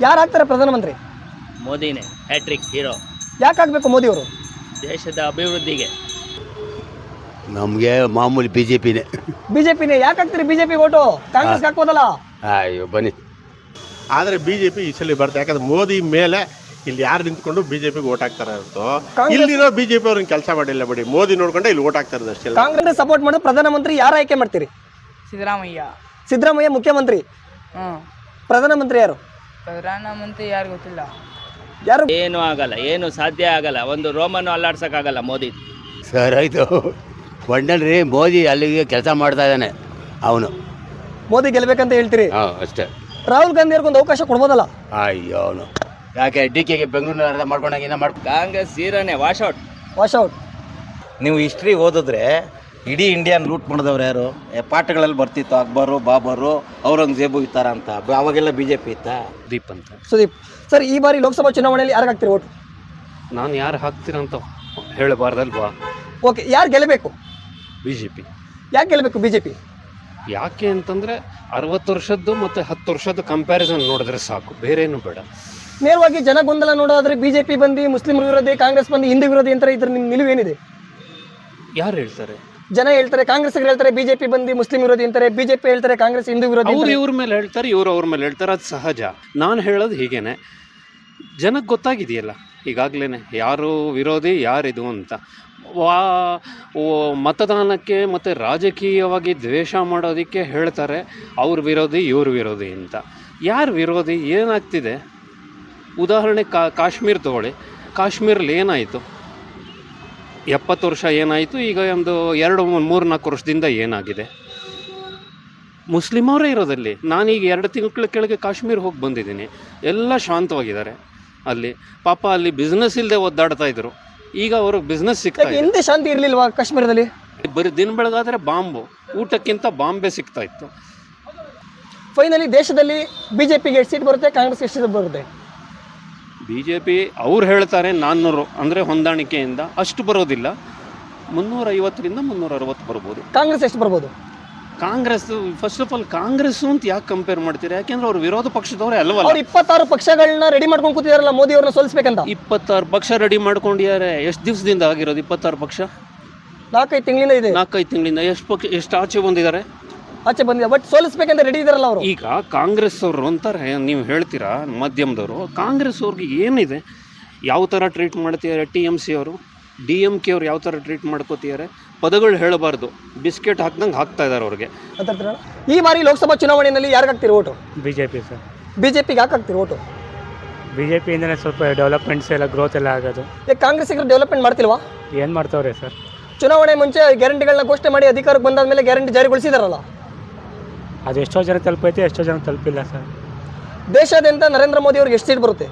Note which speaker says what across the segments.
Speaker 1: ಯಾರು ಆಗ್ತಾರೆ ಪ್ರಧಾನಮಂತ್ರಿ?
Speaker 2: ಮೋದಿನೇ ಹ್ಯಾಟ್ರಿಕ್ ಹೀರೋ.
Speaker 1: ಯಾಕೆ ಆಗಬೇಕು ಮೋದಿ ಅವರು?
Speaker 2: ದೇಶದ ಅಭಿವೃದ್ಧಿಗೆ.
Speaker 3: ನಮಗೆ ಮಾಮೂಲಿ ಬಿ ಜೆ ಪಿನೇ.
Speaker 1: ಬಿಜೆಪಿನೇ ಯಾಕೆ ಹಾಕ್ತೀರಿ? ಬಿಜೆಪಿ ಓಟು ಕಾಂಗ್ರೆಸ್ ಹಾಕ್ಬೋದಲ್ಲ?
Speaker 3: ಅಯ್ಯೋ ಬನ್ನಿ.
Speaker 4: ಆದರೆ ಬಿ ಜೆ ಪಿ ಈ ಸಲ ಬರುತ್ತೆ. ಯಾಕಂದ್ರೆ ಮೋದಿ ಮೇಲೆ ಇಲ್ಲಿ ಯಾರು ನಿಂತ್ಕೊಂಡು ಬಿ ಜೆ ಪಿಗೆ ಓಟ್ ಹಾಕ್ತಾರೆ ಹೊರತು ಇಲ್ಲಿರೋ ಬಿ ಜೆ ಪಿ ಅವ್ರನ್ನ ಕೆಲಸ ಮಾಡಿಲ್ಲ ಬಿಡಿ. ಮೋದಿ ನೋಡ್ಕೊಂಡೆ ಇಲ್ಲಿ ಓಟ್ ಹಾಕ್ತಾರೆ ಅಷ್ಟೇ.
Speaker 1: ಕಾಂಗ್ರೆಸ್ ಸಪೋರ್ಟ್ ಮಾಡೋದು ಪ್ರಧಾನಮಂತ್ರಿ ಯಾರು ಆಯ್ಕೆ ಮಾಡ್ತೀರಿ?
Speaker 5: ಸಿದ್ದರಾಮಯ್ಯ.
Speaker 1: ಸಿದ್ದರಾಮಯ್ಯ ಮುಖ್ಯಮಂತ್ರಿ. ಪ್ರಧಾನಮಂತ್ರಿ ಯಾರು?
Speaker 5: ಪ್ರಧಾನಮಂತ್ರಿ ಯಾರು ಗೊತ್ತಿಲ್ಲ.
Speaker 1: ಯಾರು?
Speaker 2: ಏನು ಆಗಲ್ಲ, ಏನು ಸಾಧ್ಯ ಆಗಲ್ಲ. ಒಂದು ರೋಮನ್ನು ಅಲ್ಲಾಡ್ಸೋಕ್ಕಾಗಲ್ಲ ಮೋದಿ.
Speaker 3: ಸರ್ ಆಯಿತು ಒಡ್ಡಲ್ರಿ, ಮೋದಿ ಅಲ್ಲಿಗೆ ಕೆಲಸ ಮಾಡ್ತಾ ಇದ್ದಾನೆ ಅವನು.
Speaker 1: ಮೋದಿ ಗೆಲ್ಬೇಕಂತ ಹೇಳ್ತೀರಿ?
Speaker 3: ಹಾಂ ಅಷ್ಟೇ.
Speaker 1: ರಾಹುಲ್ ಗಾಂಧಿ ಅವ್ರಿಗೊಂದು ಅವಕಾಶ ಕೊಡ್ಬೋದಲ್ಲ?
Speaker 3: ಅಯ್ಯೋ ಅವನು ಯಾಕೆ ಡಿ ಕೆಗೆ ಬೆಂಗಳೂರಿನ ಅರ್ಧ ಮಾಡ್ಕೊಂಡಾಗ
Speaker 2: ಕಾಂಗ್ರೆಸ್ ಹೀರೋನೇ ವಾಶೌಟ್.
Speaker 1: Wash out.
Speaker 6: ನೀವು ಹಿಸ್ಟ್ರಿ ಓದಿದ್ರೆ ಇಡೀ ಇಂಡಿಯಾನ ಲೂಟ್ ಮಾಡಿದವ್ರು ಯಾರು? ಪಾಠಗಳಲ್ಲಿ ಬರ್ತಿತ್ತು ಅಕ್ಬರು, ಬಾಬರು, ಔರಂಗಜೇಬು ಈ ಥರ ಅಂತ. ಅವಾಗೆಲ್ಲ ಬಿ ಜೆ ಪಿ ಇತ್ತಾ?
Speaker 7: ದೀಪ್ ಅಂತ.
Speaker 1: ಸುದೀಪ್ ಸರ್, ಈ ಬಾರಿ ಲೋಕಸಭಾ ಚುನಾವಣೆಯಲ್ಲಿ ಯಾರು ಹಾಕ್ತೀರಿ ಓಟು?
Speaker 7: ನಾನು ಯಾರು ಹಾಕ್ತೀರಂತ ಹೇಳಬಾರ್ದಲ್ವಾ?
Speaker 1: ಓಕೆ, ಯಾರು ಗೆಲ್ಲಬೇಕು?
Speaker 7: B J P.
Speaker 1: ಯಾಕೆ ಗೆಲ್ಲಬೇಕು ಬಿಜೆಪಿ?
Speaker 7: ಯಾಕೆ ಅಂತಂದರೆ 60 ವರ್ಷದ್ದು ಮತ್ತು 10 ವರ್ಷದ ಕಂಪ್ಯಾರಿಸನ್ ನೋಡಿದ್ರೆ ಸಾಕು, ಬೇರೇನು ಬೇಡ.
Speaker 1: ನೇರವಾಗಿ ಜನ ಗೊಂದಲ ನೋಡೋದಾದ್ರೆ ಬಿಜೆಪಿ ಬಂದು ಮುಸ್ಲಿಂ ವಿರೋಧಿ, ಕಾಂಗ್ರೆಸ್ ಬಂದು ಹಿಂದೂ ವಿರೋಧಿ ಅಂತ ಇದ್ರ ನಿಮ್ಮ ನಿಲುವೇನಿದೆ?
Speaker 7: ಯಾರು ಹೇಳ್ತಾರೆ?
Speaker 1: ಜನ ಹೇಳ್ತಾರೆ, ಕಾಂಗ್ರೆಸ್ ಹೇಳ್ತಾರೆ ಬಿಜೆಪಿ ಬಂದು ಮುಸ್ಲಿಂ ವಿರೋಧಿ ಅಂತಾರೆ, ಬಿಜೆಪಿ ಹೇಳ್ತಾರೆ ಕಾಂಗ್ರೆಸ್ ಹಿಂದೂ ವಿರೋಧಿ
Speaker 7: ಅವ್ರು
Speaker 1: ಅಂತಾರೆ.
Speaker 7: ಇವ್ರ ಮೇಲೆ ಹೇಳ್ತಾರೆ, ಇವರು ಅವ್ರ ಮೇಲೆ ಹೇಳ್ತಾರೆ, ಅದು ಸಹಜ. ನಾನು ಹೇಳೋದು ಹೀಗೇನೆ, ಜನಕ್ಕೆ ಗೊತ್ತಾಗಿದೆಯಲ್ಲ ಈಗಾಗಲೇ ಯಾರು ವಿರೋಧಿ ಯಾರಿದು ಅಂತ. ಮತದಾನಕ್ಕೆ ಮತ್ತು ರಾಜಕೀಯವಾಗಿ ದ್ವೇಷ ಮಾಡೋದಕ್ಕೆ ಹೇಳ್ತಾರೆ ಅವ್ರ ವಿರೋಧಿ ಇವ್ರ ವಿರೋಧಿ ಅಂತ. ಯಾರು ವಿರೋಧಿ? ಏನಾಗ್ತಿದೆ? ಉದಾಹರಣೆ ಕಾಶ್ಮೀರ ತಗೊಳ್ಳಿ. ಕಾಶ್ಮೀರಲ್ಲಿ ಏನಾಯಿತು? 70 ವರ್ಷ ಏನಾಯಿತು, ಈಗ ಒಂದು 2-3-4 ವರ್ಷದಿಂದ ಏನಾಗಿದೆ? ಮುಸ್ಲಿಮವರೇ ಇರೋದಲ್ಲಿ. ನಾನೀಗ 2 ತಿಂಗಳ ಕೆಳಗೆ ಕಾಶ್ಮೀರ ಹೋಗಿ ಬಂದಿದ್ದೀನಿ. ಎಲ್ಲ ಶಾಂತವಾಗಿದ್ದಾರೆ ಅಲ್ಲಿ. ಪಾಪ ಅಲ್ಲಿ ಬಿಸ್ನೆಸ್ ಇಲ್ಲದೆ ಒದ್ದಾಡ್ತಾ ಇದ್ರು, ಈಗ ಅವ್ರಿಗೆ ಬಿಸ್ನೆಸ್ ಸಿಗ್ತಾ ಇದೆ.
Speaker 1: ಹಿಂದೆ ಶಾಂತಿ ಇರಲಿಲ್ವಾ ಕಾಶ್ಮೀರದಲ್ಲಿ?
Speaker 7: ಬರೀ ದಿನ ಬೆಳಗಾದರೆ ಬಾಂಬು, ಊಟಕ್ಕಿಂತ ಬಾಂಬೆ ಸಿಗ್ತಾ ಇತ್ತು.
Speaker 1: ಫೈನಲಿ ದೇಶದಲ್ಲಿ ಬಿಜೆಪಿಗೆ ಎಷ್ಟು ಸೀಟ್ ಬರುತ್ತೆ, ಕಾಂಗ್ರೆಸ್ ಎಷ್ಟು ಸೀಟ್ ಬರುತ್ತೆ?
Speaker 7: ಬಿ ಜೆ ಪಿ ಅವ್ರು ಹೇಳ್ತಾರೆ 400 ಅಂದರೆ ಹೊಂದಾಣಿಕೆಯಿಂದ ಅಷ್ಟು ಬರೋದಿಲ್ಲ. 350ರಿಂದ 360 ಬರ್ಬೋದು.
Speaker 1: ಕಾಂಗ್ರೆಸ್ ಎಷ್ಟು ಬರ್ಬೋದು?
Speaker 7: Congress first of all Congress ಅಂತ ಯಾಕೆ ಕಂಪೇರ್ ಮಾಡ್ತೀರಾ? ಯಾಕೆಂದ್ರೆ ಅವ್ರು ವಿರೋಧ ಪಕ್ಷದವರೇ ಅಲ್ವಲ್ಲ.
Speaker 1: ಅವ್ರು 26 ಪಕ್ಷಗಳನ್ನ ರೆಡಿ ಮಾಡ್ಕೊಂಡು ಕೂತಿದಾರಲ್ಲ ಮೋದಿ ಅವ್ರನ್ನ ಸೋಲಿಸ್ಬೇಕಂತ.
Speaker 7: 26 ಪಕ್ಷ ರೆಡಿ ಮಾಡ್ಕೊಂಡಿದ್ದಾರೆ. ಎಷ್ಟು ದಿವಸದಿಂದ ಆಗಿರೋದು 26 ಪಕ್ಷ?
Speaker 1: 4-5 ತಿಂಗಳಿಂದ ಇದೆ.
Speaker 7: 4-5 ತಿಂಗಳಿಂದ ಎಷ್ಟು ಆಚೆ ಬಂದಿದ್ದಾರೆ?
Speaker 1: ಆಚೆ ಬಂದಿದೆ, ಬಟ್ ಸೋಲಿಸ್ಬೇಕಂತ ರೆಡಿ ಇದಾರಲ್ಲ ಅವರು.
Speaker 7: ಈಗ ಕಾಂಗ್ರೆಸ್ ಅವರು ಅಂತಾರೆ, ನೀವು ಹೇಳ್ತೀರಾ ಮಾಧ್ಯಮದವರು, ಕಾಂಗ್ರೆಸ್ ಅವ್ರಿಗೆ ಏನಿದೆ? ಯಾವ ಥರ ಟ್ರೀಟ್ ಮಾಡ್ತಿದ್ದಾರೆ TMC ಅವರು, DMK ಅವ್ರು ಯಾವ ಥರ ಟ್ರೀಟ್ ಮಾಡ್ಕೋತಿದ್ದಾರೆ? ಪದಗಳು ಹೇಳಬಾರ್ದು, ಬಿಸ್ಕೆಟ್ ಹಾಕ್ದಂಗೆ ಹಾಕ್ತಾ ಇದ್ದಾರೆ ಅವ್ರಿಗೆ.
Speaker 1: ಈ ಬಾರಿ ಲೋಕಸಭಾ ಚುನಾವಣೆಯಲ್ಲಿ ಯಾರಿಗೆ ಹಾಕ್ತೀರಿ ಓಟು?
Speaker 8: BJP sir.
Speaker 1: ಬಿಜೆಪಿಗೆ ಯಾಕೆ ಹಾಕ್ತೀರಿ ಓಟು?
Speaker 8: ಬಿಜೆಪಿಯಿಂದನೇ ಸ್ವಲ್ಪ ಡೆವಲಪ್ಮೆಂಟ್ಸ್ ಎಲ್ಲ ಗ್ರೋತ್ ಎಲ್ಲ ಆಗೋದು.
Speaker 1: ಕಾಂಗ್ರೆಸ್ ಡೆವಲಪ್ಮೆಂಟ್ ಮಾಡ್ತಿಲ್ವಾ?
Speaker 8: ಏನು ಮಾಡ್ತಾವ್ರೆ ಸರ್?
Speaker 1: ಚುನಾವಣೆ ಮುಂಚೆ ಗ್ಯಾರಂಟಿಗಳನ್ನ ಘೋಷಣೆ ಮಾಡಿ ಅಧಿಕಾರಕ್ಕೆ ಬಂದಾದ್ಮೇಲೆ ಗ್ಯಾರಂಟಿ ಜಾರಿಗೊಳಿಸಿದಾರಲ್ಲ,
Speaker 8: ಅದು ಎಷ್ಟೋ ಜನ ತಲುಪೈತೆ, ಎಷ್ಟೋ ಜನ ತಲುಪಿಲ್ಲ ಸರ್.
Speaker 1: ದೇಶಾದ್ಯಂತ ನರೇಂದ್ರ ಮೋದಿ ಅವ್ರಿಗೆ ಎಷ್ಟು ಸೀಟ್ ಬರುತ್ತೆ?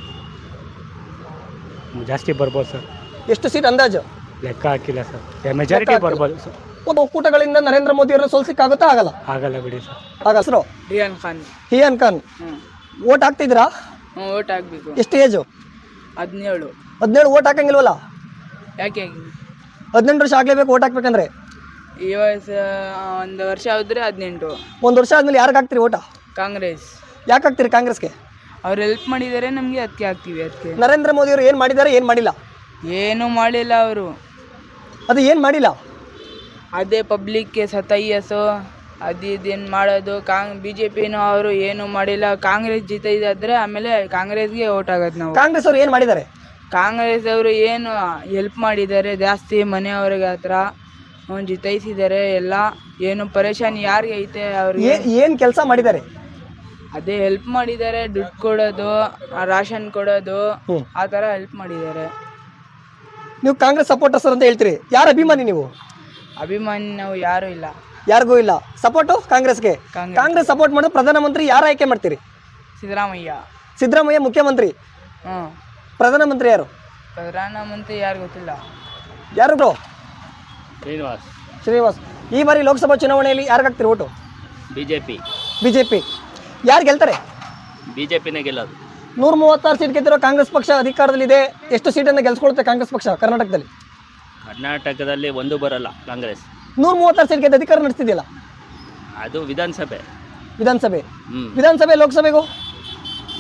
Speaker 8: ಜಾಸ್ತಿ ಬರ್ಬೋದು ಸರ್.
Speaker 1: ಎಷ್ಟು ಸೀಟ್ ಅಂದಾಜು?
Speaker 8: ಲೆಕ್ಕ ಹಾಕಿಲ್ಲ ಸರ್, ಮೆಜಾರಿಟಿ ಬರ್ಬೋದು ಸರ್.
Speaker 1: ಒಂದು ಒಕ್ಕೂಟಗಳಿಂದ ನರೇಂದ್ರ ಮೋದಿ ಅವ್ರನ್ನ ಸೋಲ್ಸಿಕ್ಕಾಗುತ್ತಾ? ಆಗಲ್ಲ.
Speaker 8: ಆಗಲ್ಲ ಬಿಡಿ ಸರ್.
Speaker 1: ಆಗ ಹೆಸರು
Speaker 5: ರಿಯಾನ್ ಖಾನ್.
Speaker 1: ಹಿಯಾನ್ ಖಾನ್. ಓಟ್ ಹಾಕ್ತಿದ್ದೀರಾ?
Speaker 5: ಓಟ್ ಹಾಕ್ಬೇಕು.
Speaker 1: ಎಷ್ಟು ಏಜು?
Speaker 5: 17.
Speaker 1: 17 ಓಟ್ ಹಾಕಂಗಿಲ್ವಲ್ಲ?
Speaker 5: ಯಾಕೆ?
Speaker 1: 18 ವರ್ಷ ಆಗಲೇಬೇಕು ಓಟ್ ಹಾಕ್ಬೇಕಂದ್ರೆ.
Speaker 5: ಈ ವಯಸ್ಸು 1 ವರ್ಷ ಆದ್ರೆ 18.
Speaker 1: 1 ವರ್ಷ ಆದ್ಮೇಲೆ ಯಾರಿಗೆ ಹಾಕ್ತೀರಿ ಓಟ?
Speaker 5: ಕಾಂಗ್ರೆಸ್.
Speaker 1: ಯಾಕೆ ಹಾಕ್ತೀರಿ ಕಾಂಗ್ರೆಸ್ಗೆ?
Speaker 5: ಅವ್ರು ಹೆಲ್ಪ್ ಮಾಡಿದ್ದಾರೆ ನಮಗೆ, ಅದಕ್ಕೆ ಹಾಕ್ತೀವಿ. ಅದಕ್ಕೆ
Speaker 1: ನರೇಂದ್ರ ಮೋದಿ ಅವರು ಏನು ಮಾಡಿದ್ದಾರೆ, ಏನು ಮಾಡಿಲ್ಲ?
Speaker 5: ಏನೂ ಮಾಡಿಲ್ಲ ಅವರು.
Speaker 1: ಅದು ಏನು ಮಾಡಿಲ್ಲ?
Speaker 5: ಅದೇ ಪಬ್ಲಿಕ್ಗೆ ಸತಾಯಿಸೋ ಅದು ಇದೇನು ಮಾಡೋದು. BJPನೂ ಅವರು ಏನೂ ಮಾಡಿಲ್ಲ. ಕಾಂಗ್ರೆಸ್ ಜಿತಾಯಿದ್ರೆ ಆಮೇಲೆ ಕಾಂಗ್ರೆಸ್ಗೆ ಓಟ್ ಆಗೋದು ನಾವು.
Speaker 1: ಕಾಂಗ್ರೆಸ್ ಅವ್ರು ಏನು ಮಾಡಿದ್ದಾರೆ?
Speaker 5: ಕಾಂಗ್ರೆಸ್ ಅವರು ಏನು ಹೆಲ್ಪ್ ಮಾಡಿದ್ದಾರೆ ಜಾಸ್ತಿ, ಮನೆಯವ್ರಿಗೆ ಹತ್ರ ಜಿತಾಯಿಸಿದ್ದಾರೆ ಎಲ್ಲ. ಏನು ಪರೇಶಾನಿ ಯಾರಿಗೆ ಐತೆ ಅವ್ರಿಗೆ?
Speaker 1: ಏನು ಕೆಲಸ ಮಾಡಿದ್ದಾರೆ?
Speaker 5: ಅದೇ ಹೆಲ್ಪ್ ಮಾಡಿದ್ದಾರೆ, ದುಡ್ಡು ಕೊಡೋದು, ರಾಷನ್ ಕೊಡೋದು, ಆ ಥರ ಹೆಲ್ಪ್ ಮಾಡಿದ್ದಾರೆ.
Speaker 1: ನೀವು ಕಾಂಗ್ರೆಸ್ ಸಪೋರ್ಟರ್ಸ್ ಅಂತ ಹೇಳ್ತೀರಿ, ಯಾರು ಅಭಿಮಾನಿ ನೀವು?
Speaker 5: ಅಭಿಮಾನಿ ನಾವು ಯಾರೂ ಇಲ್ಲ,
Speaker 1: ಯಾರಿಗೂ ಇಲ್ಲ. ಸಪೋರ್ಟು ಕಾಂಗ್ರೆಸ್ಗೆ. ಕಾಂಗ್ರೆಸ್ ಸಪೋರ್ಟ್ ಮಾಡೋದು ಪ್ರಧಾನಮಂತ್ರಿ ಯಾರು ಆಯ್ಕೆ ಮಾಡ್ತೀರಿ?
Speaker 5: ಸಿದ್ದರಾಮಯ್ಯ.
Speaker 1: ಸಿದ್ದರಾಮಯ್ಯ ಮುಖ್ಯಮಂತ್ರಿ. ಪ್ರಧಾನಮಂತ್ರಿ ಯಾರು?
Speaker 5: ಪ್ರಧಾನಮಂತ್ರಿ ಯಾರು ಗೊತ್ತಿಲ್ಲ.
Speaker 1: ಯಾರು ಬ್ರೋ?
Speaker 2: ಶ್ರೀನಿವಾಸ್.
Speaker 1: ಈ ಬಾರಿ ಲೋಕಸಭಾ ಚುನಾವಣೆಯಲ್ಲಿ ಯಾರಿಗೆ ಹಾಕ್ತೀರಿ ಓಟು?
Speaker 2: ಬಿಜೆಪಿ.
Speaker 1: ಬಿಜೆಪಿ. ಯಾರು ಗೆಲ್ತಾರೆ?
Speaker 2: ಬಿಜೆಪಿನೇ ಗೆಲ್ಲೋದು.
Speaker 1: 136 ಸೀಟ್ ಗೆದ್ದಿರೋ ಕಾಂಗ್ರೆಸ್ ಪಕ್ಷ ಅಧಿಕಾರದಲ್ಲಿದೆ. ಎಷ್ಟು ಸೀಟನ್ನು ಗೆಲ್ಸ್ಕೊಳುತ್ತೆ ಕಾಂಗ್ರೆಸ್ ಪಕ್ಷ ಕರ್ನಾಟಕದಲ್ಲಿ?
Speaker 2: ಕರ್ನಾಟಕದಲ್ಲಿ ಒಂದು ಬರಲ್ಲ ಕಾಂಗ್ರೆಸ್.
Speaker 1: 136 ಸೀಟ್ ಗೆದ್ದು ಅಧಿಕಾರ ನಡೆಸ್ತಿದೆಯಲ್ಲ,
Speaker 2: ಅದು ವಿಧಾನಸಭೆ.
Speaker 1: ವಿಧಾನಸಭೆ. ವಿಧಾನಸಭೆ ಲೋಕಸಭೆಗೂ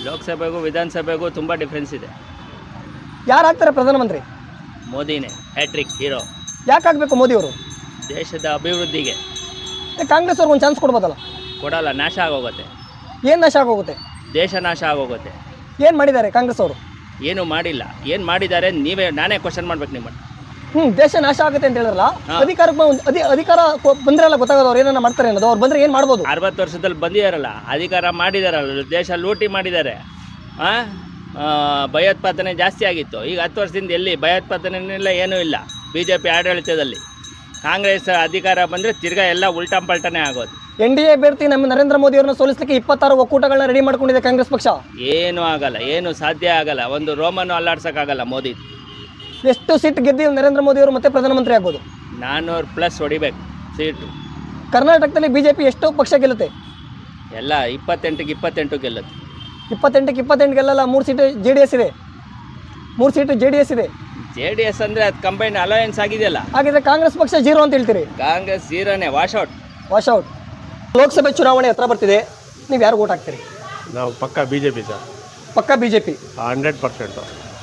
Speaker 2: ಲೋಕಸಭೆಗೂ ವಿಧಾನಸಭೆಗೂ ತುಂಬ ಡಿಫ್ರೆನ್ಸ್ ಇದೆ.
Speaker 1: ಯಾರು ಆಗ್ತಾರೆ ಪ್ರಧಾನಮಂತ್ರಿ?
Speaker 2: ಮೋದಿನೇ ಹ್ಯಾಟ್ರಿಕ್ ಹೀರೋ.
Speaker 1: ಯಾಕೆ ಆಗಬೇಕು ಮೋದಿ ಅವರು?
Speaker 2: ದೇಶದ ಅಭಿವೃದ್ಧಿಗೆ.
Speaker 1: ಕಾಂಗ್ರೆಸ್ ಅವ್ರಿಗೆ ಒಂದು ಚಾನ್ಸ್ ಕೊಡ್ಬೋದಲ್ಲ?
Speaker 2: ಕೊಡಲ್ಲ, ನಾಶ ಆಗೋಗುತ್ತೆ.
Speaker 1: ಏನು ನಾಶ ಆಗೋಗುತ್ತೆ?
Speaker 2: ದೇಶ ನಾಶ ಆಗೋಗುತ್ತೆ.
Speaker 1: ಏನು ಮಾಡಿದ್ದಾರೆ ಕಾಂಗ್ರೆಸ್ ಅವರು?
Speaker 2: ಏನು ಮಾಡಿಲ್ಲ. ಏನು ಮಾಡಿದ್ದಾರೆ ನಾನೇ ಕ್ವಶನ್ ಮಾಡ್ಬೇಕು ನಿಮ್ಮನ್ನು.
Speaker 1: ದೇಶ ನಾಶ ಆಗುತ್ತೆ ಅಂತ ಹೇಳಿದ್ರಲ್ಲ,
Speaker 2: ಹಾ.
Speaker 1: ಅಧಿಕಾರ ಬಂದ್ರಲ್ಲ ಗೊತ್ತಾಗೋದು ಅವ್ರು ಏನನ್ನ ಮಾಡ್ತಾರೆ ಅನ್ನೋದು. ಅವ್ರು ಬಂದ್ರೆ ಏನು ಮಾಡ್ಬೋದು?
Speaker 2: 60 ವರ್ಷದಲ್ಲಿ ಬಂದಿದ್ದಾರಲ್ಲ, ಅಧಿಕಾರ ಮಾಡಿದಾರಲ್ಲ, ದೇಶ ಲೂಟಿ ಮಾಡಿದ್ದಾರೆ. ಭಯೋತ್ಪಾದನೆ ಜಾಸ್ತಿ ಆಗಿತ್ತು. ಈಗ 10 ವರ್ಷದಿಂದ ಎಲ್ಲಿ ಭಯೋತ್ಪಾದನೆಲ್ಲ ಏನೂ ಇಲ್ಲ. BJP ಆಡಳಿತದಲ್ಲಿ ಕಾಂಗ್ರೆಸ್ ಅಧಿಕಾರ ಬಂದರೆ ತಿರ್ಗಾ ಎಲ್ಲ ಉಲ್ಟಾ ಪಲ್ಟನೇ ಆಗೋದು.
Speaker 1: NDA ಅಭ್ಯರ್ಥಿ ನಮ್ಮ ನರೇಂದ್ರ ಮೋದಿ ಅವರನ್ನ ಸೋಲಿಸಲಿಕ್ಕೆ 26 ಒಕ್ಕೂಟಗಳನ್ನ ರೆಡಿ ಮಾಡ್ಕೊಂಡಿದೆ ಕಾಂಗ್ರೆಸ್ ಪಕ್ಷ.
Speaker 2: ಏನೂ ಆಗಲ್ಲ, ಏನು ಸಾಧ್ಯ ಆಗಲ್ಲ. ಒಂದು ರೋಮನ್ನು ಅಲ್ಲಾಡ್ಸೋಕ್ಕಾಗಲ್ಲ ಮೋದಿ.
Speaker 1: ಎಷ್ಟು ಸೀಟ್ ಗೆದ್ದು ನರೇಂದ್ರ ಮೋದಿ ಅವರು ಮತ್ತೆ ಪ್ರಧಾನಮಂತ್ರಿ ಆಗ್ಬೋದು?
Speaker 2: 400+ ಹೊಡಿಬೇಕು ಸೀಟು.
Speaker 1: ಕರ್ನಾಟಕದಲ್ಲಿ BJP ಎಷ್ಟು ಪಕ್ಷ ಗೆಲ್ಲುತ್ತೆ?
Speaker 2: ಎಲ್ಲ 28ಕ್ಕೆ 28 ಗೆಲ್ಲುತ್ತೆ.
Speaker 1: 28ಕ್ಕೆ 28 ಗೆಲ್ಲಲ್ಲ. 3 ಸೀಟು JDS ಇದೆ. 3 ಸೀಟು JDS ಇದೆ.
Speaker 2: JDS ಅಂದರೆ ಅದು ಕಂಬೈನ್ ಅಲಯನ್ಸ್ ಆಗಿದೆಯಲ್ಲ.
Speaker 1: ಹಾಗಿದ್ರೆ ಕಾಂಗ್ರೆಸ್ ಪಕ್ಷ 0 ಅಂತ ಹೇಳ್ತೀರಿ?
Speaker 2: ಕಾಂಗ್ರೆಸ್ ಜೀರೋನೇ, ವಾಶೌಟ್.
Speaker 1: ಲೋಕಸಭೆ ಚುನಾವಣೆ ಹತ್ರ ಬರ್ತಿದೆ. ನೀವು ಯಾರು ಓಟ್ ಹಾಕ್ತೀರಿ?
Speaker 4: ನಾವು ಪಕ್ಕ BJP ಸರ್,
Speaker 1: ಪಕ್ಕ BJP
Speaker 4: 100%.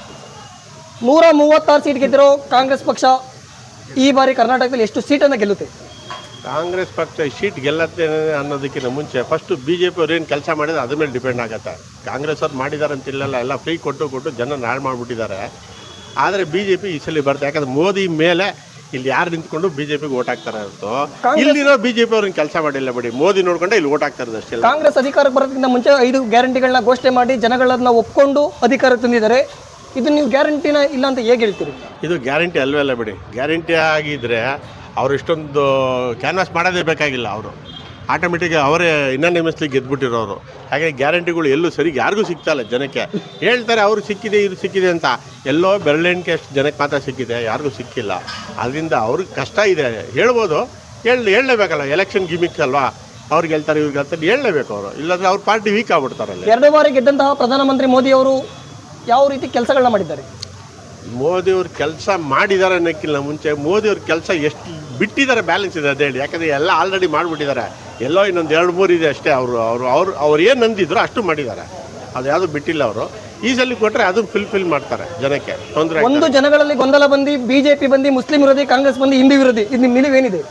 Speaker 1: 136 ಸೀಟ್ ಗೆದ್ದಿರೋ ಕಾಂಗ್ರೆಸ್ ಪಕ್ಷ ಈ ಬಾರಿ ಕರ್ನಾಟಕದಲ್ಲಿ ಎಷ್ಟು ಸೀಟನ್ನು ಗೆಲ್ಲುತ್ತೆ?
Speaker 4: ಕಾಂಗ್ರೆಸ್ ಪಕ್ಷ ಸೀಟ್ ಗೆಲ್ಲತ್ತೆ ಅನ್ನೋದಕ್ಕಿಂತ ಮುಂಚೆ ಫಸ್ಟು BJP ಅವ್ರು ಏನು ಕೆಲಸ ಮಾಡಿದ್ರೆ ಅದ್ರ ಮೇಲೆ ಡಿಪೆಂಡ್ ಆಗುತ್ತೆ. ಕಾಂಗ್ರೆಸ್ ಅವ್ರು ಮಾಡಿದ್ದಾರೆ ಅಂತಿಲ್ಲ, ಎಲ್ಲ ಫ್ರೀ ಕೊಟ್ಟು ಜನ ಹಾಳು ಮಾಡಿಬಿಟ್ಟಿದ್ದಾರೆ. ಆದರೆ BJP ಈ ಸಲ ಬರುತ್ತೆ. ಯಾಕಂದ್ರೆ ಮೋದಿ ಮೇಲೆ ಇಲ್ಲಿ ಯಾರು ನಿಂತ್ಕೊಂಡು BJPಗೆ ಓಟ್ ಹಾಕ್ತಾರೆ ಹೊರತು ಇಲ್ಲಿರೋ BJP ಅವ್ರನ್ನ ಕೆಲಸ ಮಾಡಿಲ್ಲ ಬಿಡಿ. ಮೋದಿ ನೋಡ್ಕೊಂಡೆ ಇಲ್ಲಿ ಓಟ್ ಹಾಕ್ತಾರೆ ಅಷ್ಟೇ.
Speaker 1: ಕಾಂಗ್ರೆಸ್ ಅಧಿಕಾರಕ್ಕೆ ಬರೋದಕ್ಕಿಂತ ಮುಂಚೆ 5 ಗ್ಯಾರಂಟಿಗಳನ್ನ ಘೋಷಣೆ ಮಾಡಿ ಜನಗಳನ್ನ ಒಪ್ಕೊಂಡು ಅಧಿಕಾರಕ್ಕೆ ತಂದಿದ್ದಾರೆ. ಇದು ನೀವು ಗ್ಯಾರಂಟಿನ ಇಲ್ಲ ಅಂತ ಹೇಗೆ ಹೇಳ್ತೀರಿ?
Speaker 4: ಇದು ಗ್ಯಾರಂಟಿ ಅಲ್ವೇ ಅಲ್ಲ ಬಿಡಿ. ಗ್ಯಾರಂಟಿ ಆಗಿದ್ದರೆ ಅವ್ರು ಇಷ್ಟೊಂದು ಕ್ಯಾನ್ವಾಸ್ ಮಾಡೋದೇ ಬೇಕಾಗಿಲ್ಲ. ಅವರು ಆಟೋಮೆಟಿಕ್ ಅವರೇ ಇನ್ನೊಂದು ಗೆದ್ಬಿಟ್ಟಿರೋರು. ಹಾಗಾಗಿ ಗ್ಯಾರಂಟಿಗಳು ಎಲ್ಲೂ ಸರಿ ಯಾರಿಗೂ ಸಿಗ್ತಾಯಿಲ್ಲ ಜನಕ್ಕೆ. ಹೇಳ್ತಾರೆ ಅವರು ಸಿಕ್ಕಿದೆ, ಇದು ಸಿಕ್ಕಿದೆ ಅಂತ. ಎಲ್ಲೋ ಬೆರಳೆಣಿಕೆ ಅಷ್ಟು ಜನಕ್ಕೆ ಮಾತ್ರ ಸಿಕ್ಕಿದೆ, ಯಾರಿಗೂ ಸಿಕ್ಕಿಲ್ಲ. ಅದರಿಂದ ಅವ್ರಿಗೆ ಕಷ್ಟ ಇದೆ. ಹೇಳ್ಬೋದು, ಹೇಳಲೇಬೇಕಲ್ಲ. ಎಲೆಕ್ಷನ್ ಗಿಮಿಕ್ಸ್ ಅಲ್ವಾ, ಅವ್ರಿಗೆ ಹೇಳ್ತಾರೆ, ಇವ್ರಿಗೆ ಹೇಳ್ತಾರೆ, ಹೇಳಲೇಬೇಕು ಅವರು. ಇಲ್ಲಾಂದರೆ ಅವ್ರ ಪಾರ್ಟಿ ವೀಕ್ ಆಗ್ಬಿಡ್ತಾರಲ್ಲ.
Speaker 1: 2 ಬಾರಿ ಗೆದ್ದಂತಹ ಪ್ರಧಾನಮಂತ್ರಿ ಮೋದಿ ಅವರು ಯಾವ ರೀತಿ ಕೆಲಸಗಳನ್ನ ಮಾಡಿದ್ದಾರೆ?
Speaker 4: ಮೋದಿಯವ್ರು ಕೆಲಸ ಮಾಡಿದ್ದಾರೆ ಅನ್ನೋಕ್ಕಿಂತ ಮುಂಚೆ ಮೋದಿಯವ್ರ ಕೆಲಸ ಎಷ್ಟು ಬಿಟ್ಟಿದ್ದಾರೆ ಬ್ಯಾಲೆನ್ಸ್ ಇದೆ ಅದೇಳಿ. ಯಾಕಂದರೆ ಎಲ್ಲ ಆಲ್ರೆಡಿ ಮಾಡಿಬಿಟ್ಟಿದ್ದಾರೆ. ಎಲ್ಲೋ ಇನ್ನೊಂದು 2-3 ಇದೆ ಅಷ್ಟೇ. ಅವ್ರು ಏನು ನಂದಿದ್ರು ಅಷ್ಟು ಮಾಡಿದ್ದಾರೆ. ಅದು ಯಾವುದು ಬಿಟ್ಟಿಲ್ಲ. ಅವರು ಈ ಸಲ ಕೊಟ್ಟರೆ ಅದನ್ನು ಫಿಲ್ ಮಾಡ್ತಾರೆ, ಜನಕ್ಕೆ ತೊಂದರೆ.
Speaker 1: ಒಂದು ಜನಗಳಲ್ಲಿ ಗೊಂದಲ ಬಂದು BJP ಬಂದು ಮುಸ್ಲಿಂ ವಿರೋಧಿ, ಕಾಂಗ್ರೆಸ್ ಬಂದು ಹಿಂದೂ ವಿರೋಧಿ. ಇದು ನಿಮ್ಮ ನಿಲುವೇನಿದೆ?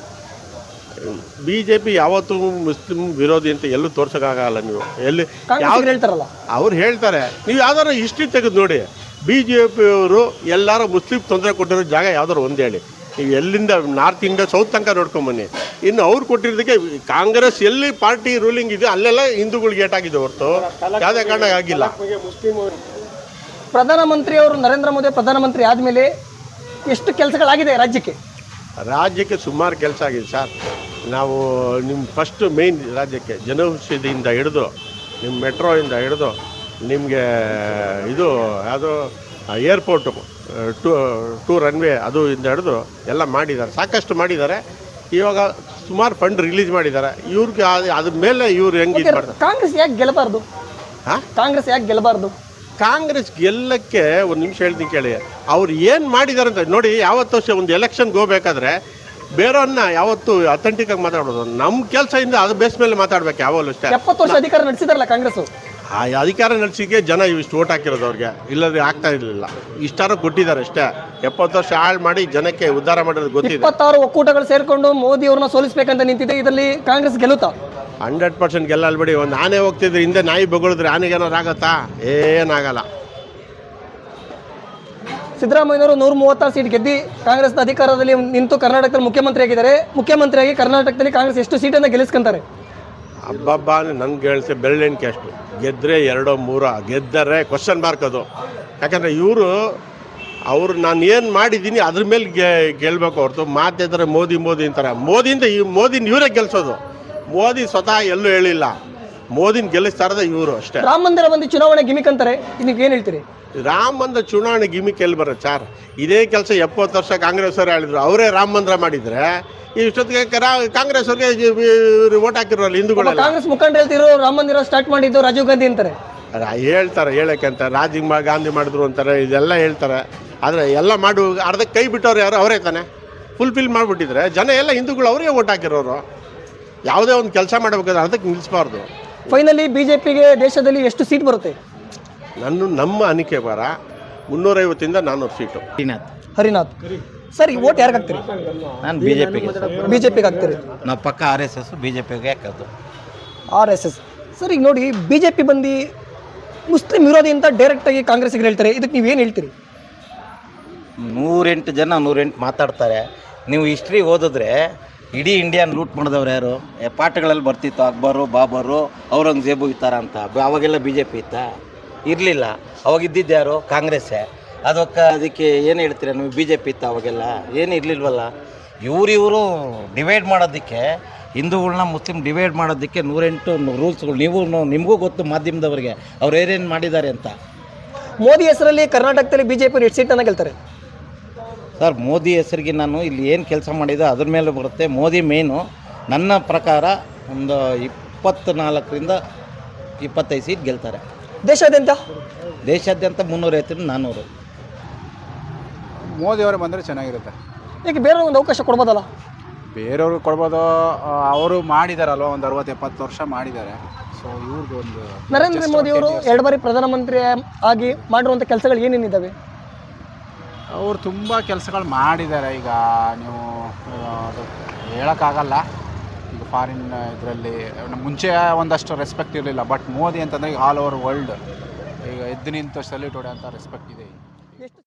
Speaker 4: BJP ಯಾವತ್ತೂ ಮುಸ್ಲಿಂ ವಿರೋಧಿ ಅಂತ ಎಲ್ಲೂ ತೋರ್ಸೋಕ್ಕಾಗಲ್ಲ. ನೀವು ಎಲ್ಲಿ
Speaker 1: ಕಾಂಗ್ರೆಸ್ ಹೇಳ್ತಾರಲ್ಲ,
Speaker 4: ಅವ್ರು ಹೇಳ್ತಾರೆ. ನೀವು ಯಾವ್ದಾರು ಹಿಸ್ಟ್ರಿ ತೆಗೆದು ನೋಡಿ. BJP ಅವರು ಎಲ್ಲರೂ ಮುಸ್ಲಿಂ ತೊಂದರೆ ಕೊಟ್ಟಿರೋ ಜಾಗ ಯಾವ್ದಾರು ಒಂದು ಹೇಳಿ. ನೀವು ಎಲ್ಲಿಂದ ನಾರ್ತ್ ಇಂಡಿಯಾ ಸೌತ್ ತನಕ ನೋಡ್ಕೊಂಬನ್ನಿ. ಇನ್ನು ಅವ್ರು ಕೊಟ್ಟಿರೋದಕ್ಕೆ ಕಾಂಗ್ರೆಸ್ ಎಲ್ಲಿ ಪಾರ್ಟಿ ರೂಲಿಂಗ್ ಇದೆ ಅಲ್ಲೆಲ್ಲ ಹಿಂದೂಗಳಿಗೆ ಏಟಾಗಿದೆ ಹೊರತು ಯಾವುದೇ ಕಾರಣ ಆಗಿಲ್ಲ.
Speaker 1: ಪ್ರಧಾನಮಂತ್ರಿ ಅವರು ನರೇಂದ್ರ ಮೋದಿ ಪ್ರಧಾನಮಂತ್ರಿ ಆದಮೇಲೆ ಎಷ್ಟು ಕೆಲಸಗಳಾಗಿದೆ ರಾಜ್ಯಕ್ಕೆ?
Speaker 4: ಸುಮಾರು ಕೆಲಸ ಆಗಿದೆ ಸರ್. ನಾವು ನಿಮ್ಮ ಫಸ್ಟು ಮೇಯ್ನ್ ರಾಜ್ಯಕ್ಕೆ ಜನೌಷಧಿಯಿಂದ ಹಿಡಿದು, ನಿಮ್ಮ ಮೆಟ್ರೋಯಿಂದ ಹಿಡಿದು, ನಿಮಗೆ ಇದು ಯಾವುದೋ ಏರ್ಪೋರ್ಟು, ಟೂ ರನ್ವೇ ಅದು ಇಂದ ಹಿಡಿದು ಎಲ್ಲ ಮಾಡಿದ್ದಾರೆ. ಸಾಕಷ್ಟು ಮಾಡಿದ್ದಾರೆ. ಇವಾಗ ಸುಮಾರು ಫಂಡ್ ರಿಲೀಸ್ ಮಾಡಿದ್ದಾರೆ. ಇವ್ರಿಗೆ ಅದ್ರ ಮೇಲೆ ಇವ್ರು ಹೆಂಗೆ ಇದು ಮಾಡ್ತಾರೆ?
Speaker 1: ಕಾಂಗ್ರೆಸ್ ಯಾಕೆ ಗೆಲ್ಲಬಾರ್ದು? ಕಾಂಗ್ರೆಸ್ ಯಾಕೆ ಗೆಲ್ಲಬಾರ್ದು?
Speaker 4: ಕಾಂಗ್ರೆಸ್ ಗೆಲ್ಲಕ್ಕೆ ಒಂದು ನಿಮಿಷ ಹೇಳ್ತೀನಿ ಕೇಳಿ. ಅವ್ರು ಏನು ಮಾಡಿದ್ದಾರೆ ಅಂತ ನೋಡಿ. ಯಾವತ್ತು ಒಂದು ಎಲೆಕ್ಷನ್ಗೆ ಹೋಗ್ಬೇಕಾದ್ರೆ ಬೇರೆಯವ್ರನ್ನ ಯಾವತ್ತು ಅಥೆಂಟಿಕಾಗಿ ಮಾತಾಡೋದು. ನಮ್ಮ ಕೆಲಸದಿಂದ ಅದು ಬೇಸ್ ಮೇಲೆ ಮಾತಾಡ್ಬೇಕು ಯಾವಾಗಲೂ ಅಷ್ಟೇ.
Speaker 1: 70 ವರ್ಷ ಅಧಿಕಾರ ನಡೆಸಿದಾರಲ್ಲ ಕಾಂಗ್ರೆಸ್.
Speaker 4: ಆ ಅಧಿಕಾರ ನಡೆಸಿಗೆ ಜನ ಇಷ್ಟು ಓಟ್ ಹಾಕಿರೋದು ಅವ್ರಿಗೆ. ಇಲ್ಲದ್ರೆ ಆಗ್ತಾ ಇರಲಿಲ್ಲ. ಇಷ್ಟಾರು ಕೊಟ್ಟಿದ್ದಾರೆ ಅಷ್ಟೇ. 70 ವರ್ಷ ಹಾಳು ಮಾಡಿ ಜನಕ್ಕೆ ಉದ್ಧಾರ ಮಾಡೋದು ಗೊತ್ತಿದೆ.
Speaker 1: 26 ಒಕ್ಕೂಟಗಳು ಸೇರಿಕೊಂಡು ಮೋದಿ ಅವ್ರನ್ನ ಸೋಲಿಸಬೇಕಂತ ನಿಂತಿದೆ. ಇದರಲ್ಲಿ ಕಾಂಗ್ರೆಸ್ ಗೆಲ್ಲುತ್ತಾ?
Speaker 4: 100% ಗೆಲ್ಲಲ್ಲ ಬಿಡಿ. ಒಂದು ಆನೆ ಹೋಗ್ತಿದ್ರೆ ಹಿಂದೆ ನಾಯಿ ಬಗಳಿದ್ರೆ ಆನೆಗೆ ಏನಾರು ಆಗತ್ತಾ? ಏನಾಗಲ್ಲ.
Speaker 1: ಸಿದ್ದರಾಮಯ್ಯನವರು 136 ಸೀಟ್ ಗೆದ್ದು ಕಾಂಗ್ರೆಸ್ನ ಅಧಿಕಾರದಲ್ಲಿ ನಿಂತು ಕರ್ನಾಟಕದಲ್ಲಿ ಮುಖ್ಯಮಂತ್ರಿ ಆಗಿದ್ದಾರೆ. ಮುಖ್ಯಮಂತ್ರಿಯಾಗಿ ಕರ್ನಾಟಕದಲ್ಲಿ ಕಾಂಗ್ರೆಸ್ ಎಷ್ಟು ಸೀಟನ್ನು ಗೆಲ್ಲಿಸ್ಕೊಂತಾರೆ?
Speaker 4: ಹಬ್ಬ ನನ್ಗೆ ಹೇಳ್ತೆ ಬೆರಳೆಣಿಕೆ ಅಷ್ಟು. ಗೆದ್ದರೆ 2-3 ಗೆದ್ದರೆ ಕ್ವಶನ್ ಮಾರ್ಕ್ ಅದು. ಯಾಕಂದರೆ ಅವರು ನಾನು ಏನು ಮಾಡಿದ್ದೀನಿ ಅದ್ರ ಮೇಲೆ ಗೆಲ್ಲಬೇಕು ಹೊರತು ಮಾತಿದ್ರೆ ಮೋದಿ ಅಂತಾರೆ. ಮೋದಿನ ಇವರೇ ಗೆಲ್ಸೋದು. ಮೋದಿ ಸ್ವತಃ ಎಲ್ಲೂ ಹೇಳಿಲ್ಲ. ಮೋದಿನ ಗೆಲ್ಲಿಸ್ತಾ ಇರೋದೇ ಇವರು ಅಷ್ಟೇ.
Speaker 1: ರಾಮ ಮಂದಿರ ಬಂದು ಚುನಾವಣೆ ಗಿಮಿಕ್ ಅಂತಾರೆ. ಇದಕ್ಕೆ ಏನು ಹೇಳ್ತೀರಿ?
Speaker 4: ರಾಮ ಮಂದಿರ ಚುನಾವಣೆ ಗಿಮಿಕ್ ಎಲ್ಲಿ ಬರುತ್ತೆ ಸರ್? ಇದೇ ಕೆಲಸ 70 ವರ್ಷ ಕಾಂಗ್ರೆಸ್ ಅವರು ಹೇಳಿದ್ರು. ಅವರೇ ರಾಮ ಮಂದಿರ ಮಾಡಿದರೆ ಇಷ್ಟೊತ್ತಿಗೆ ಕಾಂಗ್ರೆಸ್ ಅವ್ರಿಗೆ ಓಟ್ ಹಾಕಿರೋಲ್ಲ ಹಿಂದೂಗಳೆಲ್ಲ.
Speaker 1: ಕಾಂಗ್ರೆಸ್ ಮುಖಂಡ ಹೇಳ್ತಿರೋ ರಾಮ ಮಂದಿರ ಸ್ಟಾರ್ಟ್ ಮಾಡಿದ್ದು ರಾಜೀವ್ ಗಾಂಧಿ ಅಂತಾರೆ.
Speaker 4: ಹೇಳ್ತಾರೆ, ಹೇಳಕ್ಕೆ ಅಂತ. ರಾಜೀವ್ ಗಾಂಧಿ ಮಾಡಿದ್ರು ಅಂತಾರೆ, ಇದೆಲ್ಲ ಹೇಳ್ತಾರೆ. ಆದರೆ ಎಲ್ಲ ಮಾಡು ಅರ್ಧಕ್ಕೆ ಕೈ ಬಿಟ್ಟವ್ರು ಯಾರು? ಅವರೇ ತಾನೆ. ಫುಲ್ಫಿಲ್ ಮಾಡಿಬಿಟ್ಟಿದ್ರೆ ಜನ ಎಲ್ಲ ಹಿಂದೂಗಳು ಅವರೇ ಓಟ್ ಹಾಕಿರೋರು. ಯಾವುದೇ ಒಂದು ಕೆಲಸ ಮಾಡಬೇಕಾದ್ರೆ ಅರ್ಧಕ್ಕೆ ನಿಲ್ಲಿಸಬಾರ್ದು.
Speaker 1: ಫೈನಲಿ BJPಗೆ ದೇಶದಲ್ಲಿ ಎಷ್ಟು ಸೀಟ್ ಬರುತ್ತೆ?
Speaker 4: ನಮ್ಮ ಅನಿಕೆ ಬರ 350 400 ಸೀಟು.
Speaker 1: ಹರಿನಾಥ್ ಸರ್, ಈ ಓಟ್ ಯಾರಿಗೆ ಹಾಕ್ತೀರಿ?
Speaker 6: ನಾನು ಬಿ ಜೆ ಪಿಗೆ.
Speaker 1: ಬಿಜೆಪಿಗೆ ಹಾಕ್ತೀರಿ?
Speaker 6: ನಾವು ಪಕ್ಕ R S S B J ಪಿಗೆ ಹಾಕೋದು.
Speaker 1: RSS. ಸರ್ ಈಗ ನೋಡಿ, ಬಿಜೆಪಿ ಬಂದು ಮುಸ್ಲಿಂ ವಿರೋಧಿ ಅಂತ ಡೈರೆಕ್ಟಾಗಿ ಕಾಂಗ್ರೆಸ್ಗೆ ಹೇಳ್ತಾರೆ, ಇದಕ್ಕೆ ನೀವೇನು ಹೇಳ್ತೀರಿ?
Speaker 6: 108 ಜನ 108 ಮಾತಾಡ್ತಾರೆ. ನೀವು ಹಿಸ್ಟ್ರಿ ಓದಿದ್ರೆ ಇಡೀ ಇಂಡಿಯಾನ ಲೂಟ್ ಮಾಡಿದವ್ರು ಯಾರು? ಪಾಠಗಳಲ್ಲಿ ಬರ್ತಿತ್ತು ಅಕ್ಬರು, ಬಾಬರು, ಔರಂಗಜೇಬು ಈ ಥರ ಅಂತ. ಅವಾಗೆಲ್ಲ ಬಿ ಜೆ ಪಿ ಇತ್ತಾ? ಇರಲಿಲ್ಲ. ಅವಾಗ ಇದ್ದಿದ್ದು ಯಾರು? ಕಾಂಗ್ರೆಸ್ಸೇ. ಅದಕ್ಕೆ ಏನು ಹೇಳ್ತೀರಾ ನೀವು? ಬಿ ಜೆ ಪಿ ಇತ್ತು ಅವಾಗೆಲ್ಲ? ಏನು ಇರಲಿಲ್ವಲ್ಲ. ಇವರು ಡಿವೈಡ್ ಮಾಡೋದಕ್ಕೆ, ಹಿಂದೂಗಳನ್ನ ಮುಸ್ಲಿಂ ಡಿವೈಡ್ ಮಾಡೋದಕ್ಕೆ 108 ರೂಲ್ಸ್ಗಳು. ನಿಮಗೂ ಗೊತ್ತು ಮಾಧ್ಯಮದವರಿಗೆ ಅವ್ರು ಏನೇನು ಮಾಡಿದ್ದಾರೆ ಅಂತ.
Speaker 1: ಮೋದಿ ಹೆಸರಲ್ಲಿ ಕರ್ನಾಟಕದಲ್ಲಿ ಬಿಜೆಪಿ 8 ಸೀಟನ್ನು ಗೆಲ್ತಾರೆ.
Speaker 6: ಸರ್, ಮೋದಿ ಹೆಸರಿಗೆ ನಾನು ಇಲ್ಲಿ ಏನು ಕೆಲಸ ಮಾಡಿದೆ ಅದ್ರ ಮೇಲೆ ಬರುತ್ತೆ. ಮೋದಿ ಮೇನು ನನ್ನ ಪ್ರಕಾರ ಒಂದು 24ರಿಂದ 25 ಸೀಟ್ ಗೆಲ್ತಾರೆ.
Speaker 1: ದೇಶಾದ್ಯಂತ
Speaker 6: 350 400.
Speaker 9: ಮೋದಿಯವರೇ ಬಂದರೆ ಚೆನ್ನಾಗಿರುತ್ತೆ.
Speaker 1: ಈಗ ಬೇರೆ ಒಂದು ಅವಕಾಶ ಕೊಡ್ಬೋದಲ್ಲ?
Speaker 9: ಬೇರೆಯವ್ರಿಗೆ ಕೊಡ್ಬೋದು. ಅವರು ಮಾಡಿದಾರಲ್ವ, ಒಂದು 60-70 ವರ್ಷ ಮಾಡಿದ್ದಾರೆ. ಸೊ ಇವ್ರದ್ದು ಒಂದು
Speaker 1: ನರೇಂದ್ರ ಮೋದಿ ಅವರು 2 ಬಾರಿ ಪ್ರಧಾನಮಂತ್ರಿ ಆಗಿ ಮಾಡಿರುವಂಥ ಕೆಲಸಗಳು ಏನೇನಿದ್ದಾವೆ?
Speaker 9: ಅವರು ತುಂಬ ಕೆಲಸಗಳು ಮಾಡಿದ್ದಾರೆ. ಈಗ ನೀವು ಅದು ಹೇಳೋಕ್ಕಾಗಲ್ಲ. ಈಗ ಫಾರಿನ್ ಇದರಲ್ಲಿ ಮುಂಚೆ ಒಂದಷ್ಟು ರೆಸ್ಪೆಕ್ಟ್ ಇರಲಿಲ್ಲ. ಬಟ್ ಮೋದಿ ಅಂತಂದರೆ ಈಗ ಆಲ್ ಓವರ್ ವರ್ಲ್ಡ್ ಈಗ ಎದ್ದು ನಿಂತು ಸಲ್ಯೂಟ್ ಹೊಡೆಯೋಂಥ ರೆಸ್ಪೆಕ್ಟ್ ಇದೆ.